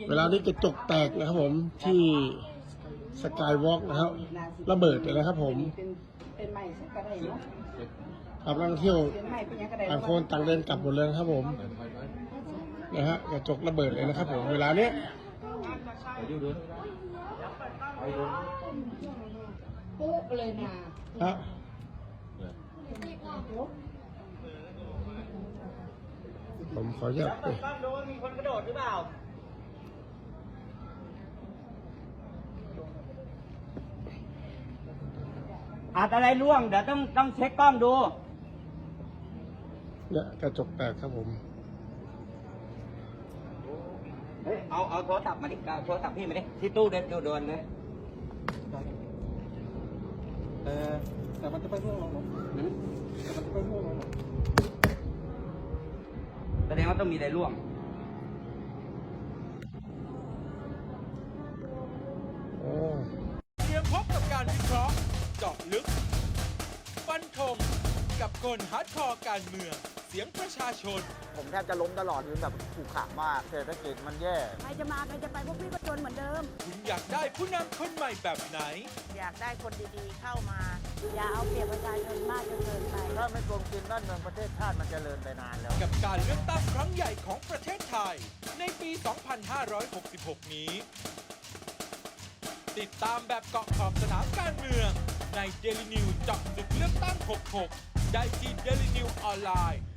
เวลานี้กระจกแตกนะครับผมที่สกายวอล์กนะครับระเบิดเลยนะครับผมเป็นใหม่สักกระไดเนาะครับนักท่องเที่ยวเป็นใหม่เป็นยังกระไดต่างคนต่างเดินกลับหมดเลยนะครับผมนะฮะกระจกระเบิดเลยนะครับผมเวลาเนี้ยปุ๊บเลยนะผมขออนุญาตดูว่ามีคนกระโดดหรือเปล่าอาจอะไรร่วงเดี๋ยวต้องเช็คกล้องดูเนี่ยกระจกแตกครับผมเฮ้ยเอาโทรศัพท์มาดิโทรศัพท์พี่มาดิที่ตู้เด็ดโดนเลยแต่มันจะไปร่วงลงแต่มันจะไปร่วงลงแสดงว่าต้องมีอะไรร่วงเตรียมพบกับการวิเคราะห์เจาะลึกฟันธงกับคนฮาร์ดคอร์การเมืองเสียงประชาชนผมแทบจะล้มตลอดคือแบบขู่ขามากเศรษฐกิจมันแย่ใครจะมาใครจะไปพวกพี่ก็จนเหมือนเดิมคุณอยากได้ผู้นำคนใหม่แบบไหนอยากได้คนดีๆเข้ามาอย่าเอาเปรียบประชาชนมากจนเกินไปถ้าไม่โกงกินบ้านเมืองประเทศชาติมันจะเจริญไปนานแล้วกับการเลือกตั้งครั้งใหญ่ของประเทศไทยในปี 2566 นี้ติดตามแบบเกาะขอบสนามการเมืองใน Daily News เจาะลึกเลือกตั้ง 66 ได้ที่ Daily News ออนไลน์